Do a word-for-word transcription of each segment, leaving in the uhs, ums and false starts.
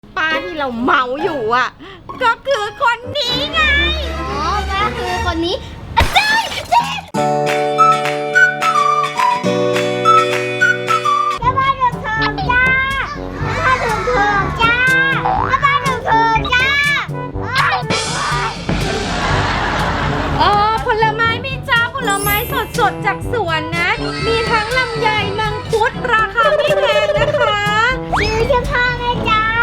ป้าที่เราเมาอยู่อ่ะก็คือคนนี้ไงอ๋อก็คือคนนี้อาจารย์อาจารย์แม่บ้านเดือดเถิดจ้าแม่บ้านเดือดเถิดจ้าแม่บ้านเดือดเถิดจ้าเออผลไม้มีจ้าผลไม้สดสดๆจากสวนนะมีทั้งลำไยมังคุดราคาไม่แพงนะคะซื้อเสื้อผ้าไหมจ้า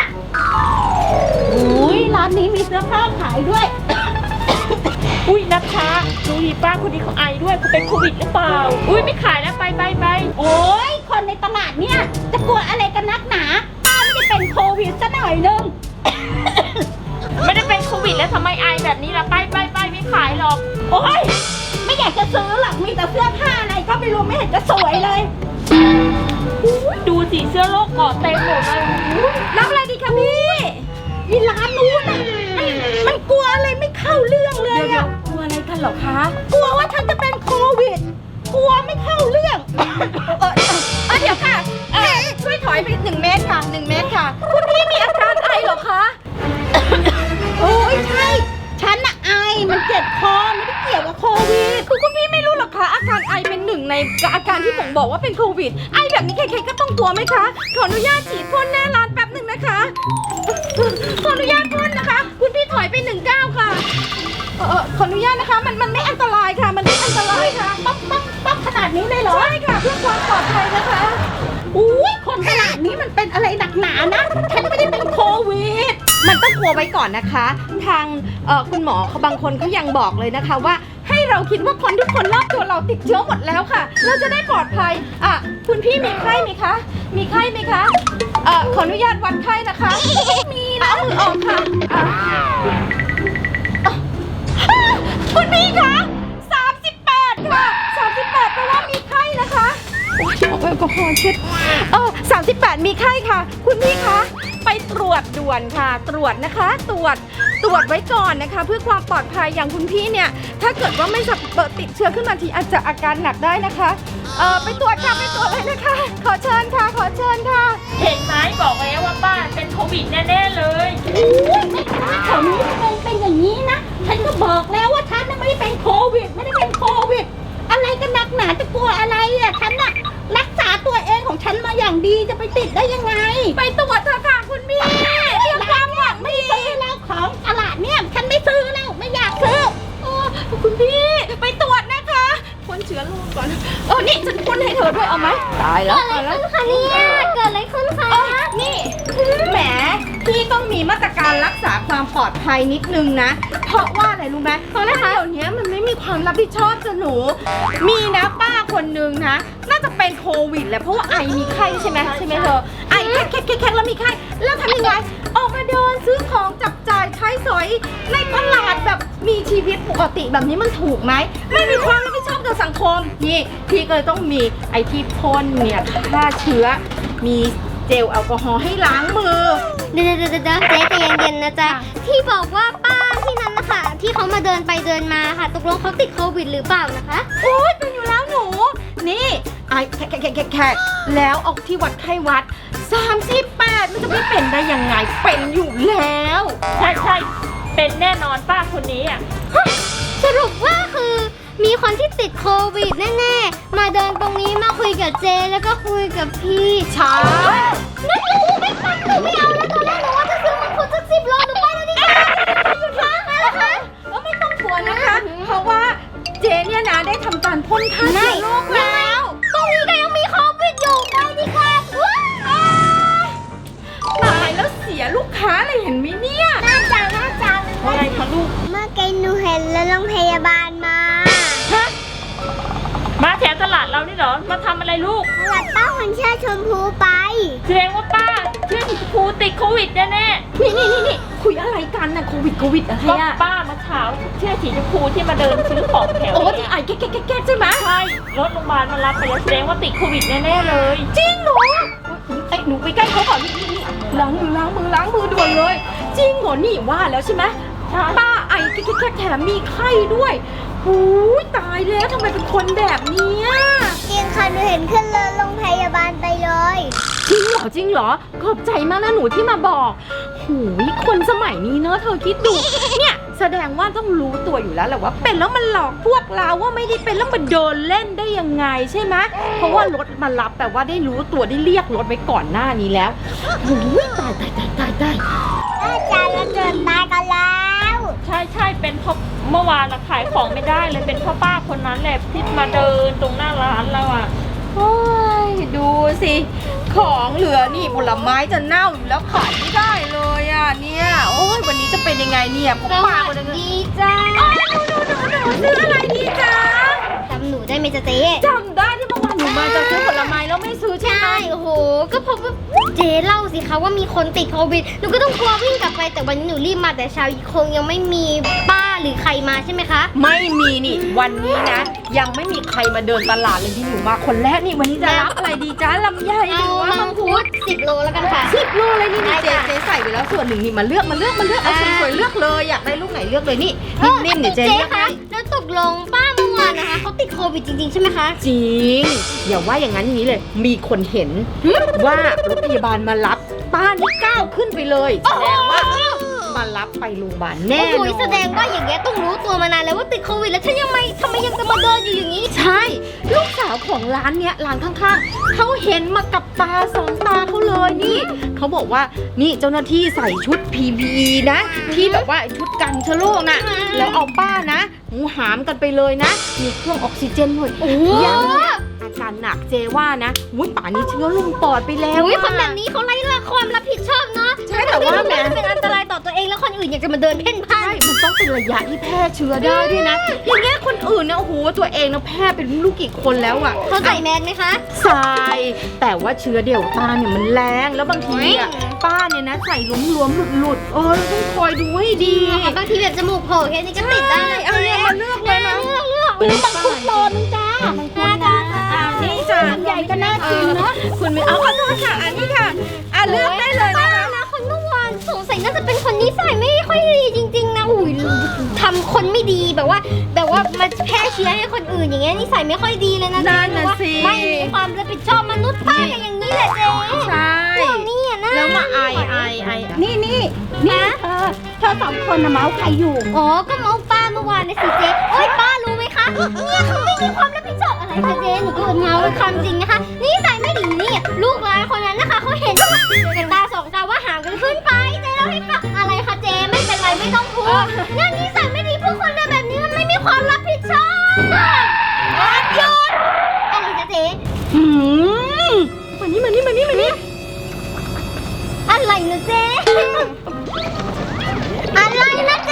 อุ้ยร้านนี้มีเสื้อผ้าขายด้วยอุ้ยนัชชาดูดิป้าคนนี้เขาไอด้วยเขาเป็นโควิดหรือเปล่าอุ้ยไม่ขายแล้วไปไปไปโอ้ยคนในตลาดเนี่ยจะกลัวอะไรกันนักหนาป้าไม่ได้เป็นโควิดซะหน่อยนึงไม่ได้เป็นโควิดแล้วทำไมไอแบบนี้ล่ะไปไปไปไม่ขายหรอกโอ้ยไม่อยากจะซื้อหรอกมีแต่เสื้อผ้าอะไรก็ไม่รู้ไม่เห็นจะสวยเลยอุ๊ยดูสิเสื้อโลกเกาะเต็มหมดเลยอุ๊ยรับอะไรดีคะพี่อีร้านนู้นน่ะมันมันกลัวอะไรไม่เข้าเรื่องเลยเดี๋ยวอะๆกลัวอะไรกันเหรอคะกลัวว่าฉันจะเป็นโควิดกลัวไม่เข้าเรื่องเออเออเดี๋ยวค่ะเออช่วยถอยไปหนึ่งเมตรค่ะหนึ่งเมตรค่ะคุณพี่มีอาการไอเหรอคะโอ้ยใช่ฉันน่ะไอมันเจ็บคอไม่ได้เกี่ยวกับโควิดคือคุณพี่ไม่รู้หรอกคะอาการไอเป็นหนึ่งในอาการที่ผมบอกว่าเป็นโควิดไอแบบนี้ใครๆก็ต้องกลัวไหมคะขออนุญาตฉีดพ่นหน้าร้านแป๊บหนึ่งนะคะขออนุญาตพ่นนะคะ คุณพี่ถอยไปหนึ่งก้าวค่ะเออขออนุญาตนะคะ มันมันไม่อันตรายค่ะ มันไม่อันตรายค่ะป๊อกป๊อกป๊อกขนาดนี้เลยเหรอใช่ค่ะเพื่อความปลอดภัยนะคะอุ้ยคนขนาดนี้มันเป็นอะไรหนักหนานะฉันไม่ได้เป็นโควิดมันต้องกลัวไว้ก่อนนะคะ ทางเอ่อคุณหมอเขาบางคนเขายังบอกเลยนะคะว่าให้เราคิดว่าคนทุกคนรอบตัวเราติดเชื้อหมดแล้วค่ะ เราจะได้ปลอดภัยอ่ะคุณพี่มีไข้ไหมคะ มีไข้ไหมคะเอ่อขออนุญาตวัดไข้นะคะ มีนะเอามือออกค่ะอ่ะอ่ะคุณพี่คะสามสิบแปดค่ะสามสิบแปดแปลว่ามีไข้นะคะโอ้ยเอาแอลกอฮอล์เช็ดเออสามสิบแปดมีไข้ค่ะ คุณพี่คะไปตรวจด่วนค่ะ ตรวจนะคะ ตรวจตรวจไว้ก่อนนะคะ เพื่อความปลอดภัยอย่างคุณพี่เนี่ยถ้าเกิดว่าไม่สับเปิดติดเชื้อขึ้นมาทีอาจจะอาการหนักได้นะคะเออไปตรวจค่ะไปตรวจเลยนะคะ ขอเชิญค่ะ ขอเชิญค่ะเห็นไหมบอกแล้วว่าป้าเป็นโควิดแน่ๆเลยอุ้ยไม่ค้าแถวนี้มันเป็นอย่างนี้นะ ฉันก็บอกแล้วว่าฉันน่ะไม่ได้เป็นโควิด ไม่ได้เป็นโควิด อะไรกันหนักหนาจะกลัวอะไรอ่ะ ฉันน่ะรักษาตัวเองของฉันมาอย่างดีจะไปติดได้ยังไงไปตรวจเถอะค่ะคุณพี่เรื่องความหวังไม่ดีซื้อแล้วของตลาดเนี่ยฉันไม่ซื้อแล้วไม่อยากซื้อโอ้คุณพี่ไปตรวจนะคะพ่นเชื้อโรคก่อนเออนี่ฉันพ่นให้เธอด้วยเอาไหมตายแล้วตายแล้วค่ะเนี่ยเกิดอะไรขึ้นคะเอ้ยนี่แหมพี่ต้องมีมาตรการรักษาความปลอดภัยนิดนึงนะ เพราะว่าอะไรรู้ไหมเพราะนะคะเดี๋ยวนี้มันไม่มีความรับผิดชอบจะหนู มีนะป้าคนนึงนะ น่าจะเป็นโควิดแหละเพราะว่าไอมีไข้ใช่ไหมใช่ไหมเธอไอแค่แค่แค่แล้วมีไข้แล้วทำยังไงออกมาเดินซื้อของจับจ่ายใช้สอยในตลาดแบบมีชีวิตปกติแบบนี้มันถูกไหมไม่มีความรับผิดชอบต่อสังคมนี่พี่ก็เลยต้องมีไอที่พ่นเนี่ยฆ่าเชื้อ มีเจลแอลกอฮอล์ให้ล้างมือเดี๋ยวเดี๋ยวเดี๋ยวเจ๊ใจเย็นๆนะจ๊ะที่บอกว่าป้าที่นั้นนะคะที่เขามาเดินไปเดินมาค่ะตกลงเขาติดโควิดหรือเปล่านะคะโอ๊ยเป็นอยู่แล้วหนู นี่ไอแขกแขกแขกแขกแล้วเอาที่วัดไข้วัดสามสิบแปดมันจะไม่เป็นได้ยังไง เป็นอยู่แล้วใช่ใช่เป็นแน่นอนป้าคนนี้อ่ะสรุปว่าคือมีคนที่ติดโควิดแน่ๆมาเดินตรงนี้มาคุยกับเจแล้วก็คุยกับพี่ใช่นั่นหนูไม่ฟังหนูไม่เอาแล้วตอนแรกหนูว่าจะซื้อมังคุดสักสิบโลหนูไปแล้วนี่ค่ะค่ะค่ะแล้วไม่ต้องกลัวนะคะ เพราะว่าเจเนี่ยนะได้ทำการพ่นฆ่าเชื้อโรคแล้วตรงนี้ก็ยังมีโควิดอยู่ไปดีกว่าว้าวตายแล้วเสียลูกค้าเลยเห็นไหมเนี่ยน่าจังน่าจังอะไรคะลูกเมื่อกี้หนูเห็นแล้วโรงพยาบาลมาฮะมาแถวตลาดเรานี่เหรอมาทำอะไรลูกตลาดป้าคนเชื่อชมพูไปแสดงว่าป้าเชื่อครูติดโควิดแน่นี่นี่นี่นี่คุยอะไรกันน่ะโควิดโควิดอะไรๆก็อะป้ามาเช้าเชื่อสีชมพูที่มาเดินซื้อของแถวโอ้นี้ที่ไอแก๊กแก๊กแก๊กใช่ไหมใช่รถโรงพยาบาลมารับไปแล้วแสดงว่าติดโควิดแน่ๆเลยจริงเหรอไอ้ยหนูไปใกล้เขาก่อนนี่นี่นี่ล้างมือล้างมือล้างมือด่วนเลย จริงเหรอนี่ว่าแล้วใช่ไหมใช่ป้าไอแค่แค่แถมมีไข้ด้วยโหหูยตายแล้วทำไมเป็นคนแบบเนี้ยจริงค่ะหนูเห็นขึ้นรถโรงพยาบาลไปเลยจริงเหรอจริงเหรอขอบใจมากนะหนูที่มาบอกหูยคนสมัยนี้เนอะเธอคิดดู เนี่ยแสดงว่าต้องรู้ตัวอยู่แล้วแหละว่าเป็นแล้วมันหลอกพวกเราว่าไม่ได้เป็นแล้วมันเดินเล่นได้ยังไงใช่ไหมเพราะว่ารถมารับแปลว่าได้รู้ตัวได้เรียกรถไว้ก่อนหน้านี้แล้วหูยตายตายตายตายตายอาจารย์เราเกิดตายกันแล้วใช่ใช่เป็นเพราะเมื่อวานเราขายของไม่ได้เลยเป็นเพราะป้าคนนั้นแหละที่มาเดินตรงหน้าร้านเราอ่ะโอ้ยดูสิของเหลือนี่ผลไม้จะเน่าอยู่แล้วขายไม่ได้เลยอ่ะเนี่ยโอ้ยวันนี้จะเป็นยังไงเนี่ยผมปากเลยดีจ้าซื้ออะไรดีจ๊ะจำหนูได้ไหมจ๊ะเจ๊จำได้ที่เมื่อวานหนูมาจะซื้อผลไม้แล้วไม่ซื้อใช่ไหมใช่โอ้โหก็เพราะว่าเจ๊เล่าสิคะว่ามีคนติดโควิดหนูก็ต้องกลัววิ่งกลับไปแต่วันนี้หนูรีบมาแต่เช้าคงยังไม่มีป้าหรือใครมาใช่ไหมคะไม่มีนี่วันนี้นะ ยังไม่มีใครมาเดินตลาดเลยที่หนูมาคนแรกนี่วันนี้จะรับอะไรดีจ๊ะลำไยหเอารือว่ามัมังงคุคุดดสิบโลแล้วกันค่ะสิบโลเลยนี่นี่ได้เจ๊ค่ะเจ๊ใส่ไปแล้วส่วนหนึ่งนี่มาเลือกมาเลือกมาเลือกเอาอ่าสวยๆเลือกเลยอยากได้ลูกไหนเลือกเลยนี่นิ่มๆเดี๋ยวเจ๊เจ๊เลือกคะให้แล้วตกลงป้าเมื่อวานนะคะเขาติดโควิดจริงๆใช่ไหมคะจริงอย่าว่าอย่างนั้นอย่างนี้เลย มีคนเห็นว่ารถพยาบาลมารับป้านี่ก้าวขึ้นไปเลยแสดงว่ามารับไปโรงพยาบาลแน่โอ้นโหอนแสดงว่าอย่างเงี้ยต้องรู้ตัวมานานแล้วว่าติดโควิดแล้วฉันยังไม่ทำไมยังจะมาเดินอยู่อย่างนี้ใช่ ลูกสาวของร้านเนี้ยร้านข้างๆเขาเห็นมากับตาสองตาเขาเลยนี่เขาบอกว่านี่เจ้าหน้าที่ใส่ชุด พี พี อี นะ ที่แบบว่าชุดกันเชื้อโรคน่ะอืมแล้วเอาป้านะหูหามกันไปเลยนะ มีเครื่องออกซิเจนด้วยโอ้ยังอาการหนักเจว่านะวุ้ยป่านนี้เชื้อลงปอดไปแล้วอุ้ยอะคนแบบนี้เขาไร้ละความรับผิดชอบเนาะใช่แต่ว่าแหมมันเป็นอันตรายต่อตัวเองแล้วคนอื่นอยากจะมาเดินเพ่นพ่าใช่นมันต้องเป็นระยะที่แพร่เชื้อได้ด้วยนะ อย่างเงี้ยคนอื่นนะโอ้โหตัวเองนะแพร่เป็นลูกกี่คนแล้วอะเขาใส่แมสไหมคะใส่แต่ว่าเชื้อเดลต้าเนี่ยมันแรงแล้วบางทีอะโอ้ยป้าเนี่ยนะใส่หลวมๆหลุดๆเออต้องคอยดูให้ดีบางทีแบบจมูกโผล่แค่นี้ก็ติดได้ใช่เอาเนี่ยมาเลือกเลยนะเลือกเลือกเลือกมังคุดโลนึงจ้ามังคุดนะอ่านี่จ้ะใหญ่ก็น่ากินเนาะคุณไม่เอาขอโทษค่ะอันนี้ค่ะอ่ะเลือกได้เลยนะคะนะคนเมื่อวานสงสัยน่าจะเป็นคนนิสัยไม่ค่อยดีจริง ๆนะอุ้ยทำคนไม่ดีแบบว่า แบบว่ามาแพร่เชื้อให้คนอื่นอย่างเงี้ยนิสัยไม่ค่อยดีเลยนะนั่นเจ๊น่ะว่าสิไม่มีความรับผิดชอบมนุษย์ป้าอย่างนี้แหละเจ๊ใช่พวกนี้อ่ะนะแล้วมาไอไอไอนี่นี่นี่เธอเธอสองคนน่ะเมาส์ใครอยู่อ๋อก็เมาป้าเมื่อวานนะสิเจ๊โอ้ยป้ารู้ไหมคะเนี่ยเขาไม่มีความรับผิดชอบอะไรค่ะเจ๊หนูก็เมาเป็นความจริงนะคะนิสัยไม่ดีนี่ลูกหลานคนนั้นนะคะเขาเห็นกันตาสองตาว่าห่างกันขึ้นไปเจ๊เราให้ฟังอะไรคะเจ๊ไม่เป็นไรไม่ต้องพูดเนี่ยนิสัยไม่ดีพวกคนแบบนี้มันไม่มีความรับผิดชอบหยุดอะไรจ๊ะเจ๊หืมมานี่มานี่มานี่มานี่อะไรนะเจ๊อะไรนะเจ๊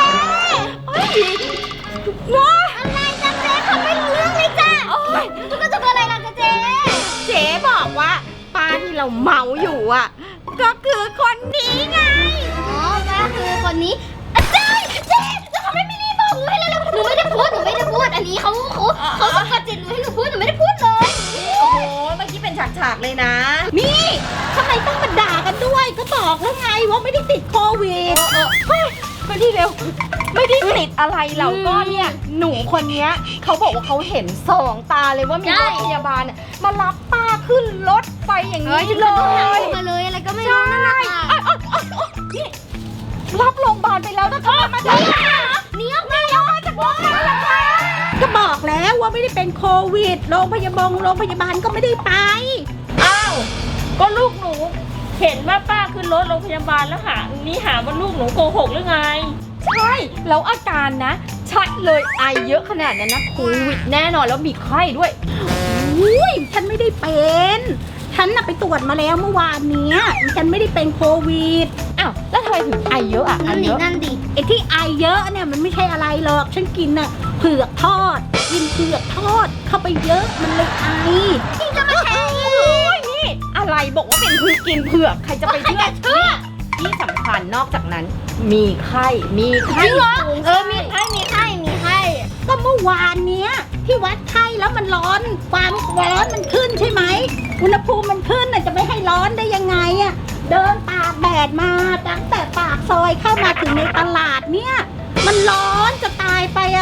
ว้าอะไรจ๊ะเจ๊เขาไม่รู้เรื่องเลยจ้ะโอ้ยจุกจุกอะไรล่ะจ๊ะเจ๊เจ๊บอกว่าป้าที่เราเมาอยู่อ่ะ ก็คือคนนี้ไงอ๋อก็คือคนนี้อ่ะเจ๊เจ๊แล้วเขาไม่มีรีบบอกหนูให้เลยหนูไม่ได้พูดหนูไม่ได้พูดอันนี้เขาเขาเขาสะกดจิตหนูให้หนูพูดหนูไม่ได้พูดเลยโอ้โหเมื่อกี้เป็นฉากๆเลยนะนี่ทำไมต้องมาด่ากันด้วย ก็บอกแล้วไงว่าไม่ได้ติดโควิดเออเฮ้ยมาที่เร็ว ไม่ได้ติดอะไรเราก็เนี่ยหนูคนเนี้ยเขาบอกว่าเขาเห็นสองตาเลยว่ามีรถพยาบาลน่ะมารับป้าขึ้นรถไปอย่างนี้เลต้องหายยมาเลยอะไรก็ไม่รู้นั่นแหละค่ะนี่รับโรงพยาบาลไปแล้วนะคะมาได้หนีออกมาแล้วจากโรงพยาบาลแล้วค่ะก็บอกแล้วว่าไม่ได้เป็นโควิด โรงพยาบาลโรงพยาบาลก็ไม่ได้ไปอ้าวก็ลูกหนูเห็นว่าป้าขึ้นรถโรงพยาบาลแล้วหานี่หาว่าลูกหนูโกหกหรือไงใช่แล้วอาการนะชัดเลยไอเยอะขนาดนั้นนะโควิดแน่นอนแล้วมีไข้ด้วยอุ้ยฉันไม่ได้เป็น ฉันน่ะไปตรวจมาแล้วเมื่อวานเนี้ยฉันไม่ได้เป็นโควิดอ้าวแล้วทำไมถึงไอเยอะอ่ะไอนั่นดิเยอะนั่นดิไอ้ที่ไอเยอะเนี่ยมันไม่ใช่อะไรหรอก ฉันกินน่ะเผือกทอด กินเผือกทอดเข้าไปเยอะมันเลยไอที่จะมาแทงโอ้ยนี่อะไรบอกว่าเป็นพือกินเผือกใครจะไปใครเชื่อจะเชื่อที่สำคัญนอกจากนั้น มีไข้มีไข้จริงเหรอสูงเออมีไข้มีไข้มีไข้ก็เมื่อวานเนี้ยที่วัดไข้แล้วมันร้อนความร้อนมันขึ้นใช่ไหมอุณหภูมิมันขึ้นน่ะจะไม่ให้ร้อนได้ยังไงอะเดินตากแดดมาตั้งแต่ปากซอยเข้ามาถึงในตลาดเนี่ยมันร้อนจะตายไปอะ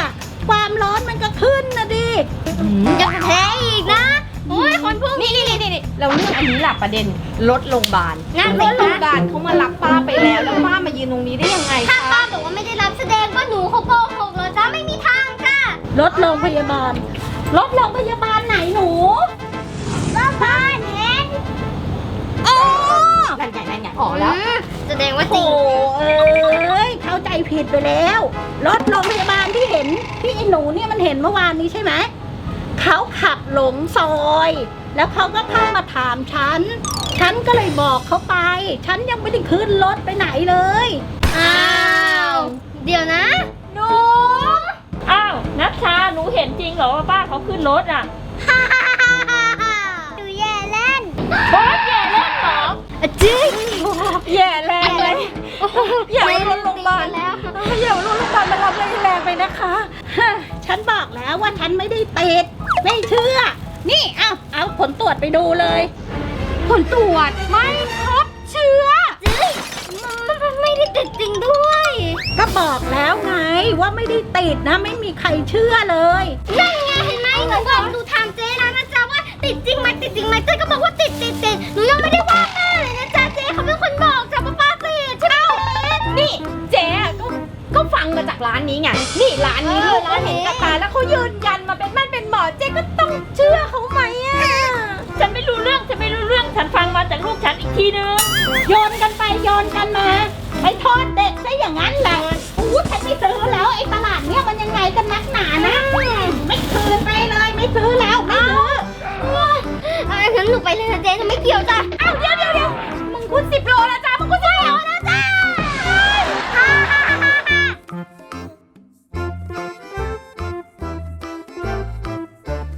ความร้อนมันก็ขึ้นนะดิจะแพ้อีกนะโอ้ยคนพวกนี่นี้นี่นี่นี่เราเรื่องอันนี้แหละประเด็นรถโรงพยาบาลนั่นรสิถโรงพคะยาบาลเขามารับป้าไปแล้วแล้วป้ามายืนตรงนี้ได้ยังไงถ้าคะป้าบอกว่าไม่ได้รับแสดงว่าหนูเขาโกหกเหรอจ๊ะไม่มีทางค่ะรถโรงพยาบาล รถโรงพยาบาลไหนหนูบ้านเห็นอ๋อนั่นไงนั่นไงอ๋อแล้วมแสดงว่าจริโอ้งเอ้ยเข้าใจผิดไปแล้ว รถโรงพยาบาลที่เห็นที่ไอ้หนูเนี่ยมันเห็นเมื่อวานนี้ใช่ไหมเขาขับหลงซอย แล้วเขาก็เข้ามาถามฉัน ฉันก็เลยบอกเขาไป ฉันยังไม่ได้ขึ้นรถไปไหนเลยอ้าว เดี๋ยวนะหนู อ้าว นัชชา หนูเห็นจริงเหรอว่าป้าเขาขึ้นรถอ่ะฮ่าฮ่าฮ่าฮ่าฮ่าดูแย่เล่นบอสแย่เล่นเหรออะจึ๊งแย่แรงเลย อย่าเอารถโรงพยาบาลแล้วอย่าเอารถโรงพยาบาลมารับเลยแรงไปนะคะฮะฉันบอกแล้วว่าฉันไม่ได้ติดไม่เชื่อ นี่เอาเอาผลตรวจไปดูเลยผลตรวจไม่พบเชื้อจึ๊งมันมันไม่ได้ติดจริงด้วยก็บอกแล้วไงว่าไม่ได้ติดนะ ไม่มีใครเชื่อเลยนั่นไงเห็นไหมหนูบอกหนูถามเจ๊แล้วนะจ๊ะว่าติดจริงไหมติดจริงไหมเจ๊ก็บอกว่าติดติดติดหนูยังไม่ได้ว่าแม่เลยนะจ๊ะเจ๊เขาเป็นคนบอกจ้ะว่าป้าติดใช่ไหมนี่เจ๊อะก็ก็ฟังมาจากร้านนี้ไง นี่ร้านนี้เออลูกเขาเห็นร้านนี้กับตาแล้วเขายืนยันมาเป็นมั่นเป็นหมอเจ๊ก็ต้องเชื่อเขาไหมอ่ะฉันไม่รู้เรื่อง ฉันไม่รู้เรื่อง ฉันฟังมาจากลูกฉันอีกทีนึงโยนกันไปโยนกันมาไปโทษเด็กซะอย่างนั้นแหละอู้ฉันไม่ซื้อแล้วไอ้ตลาดเนี้ยมันยังไงกันนักหนานะ ไม่คืนไปเลยไม่ซื้อแล้วไม่ซื้ออ่ะงั้นหนูไปเลยนะเจ๊หนูไม่เกี่ยวจ้ะอ้าวเดี๋ยวเดี๋ยว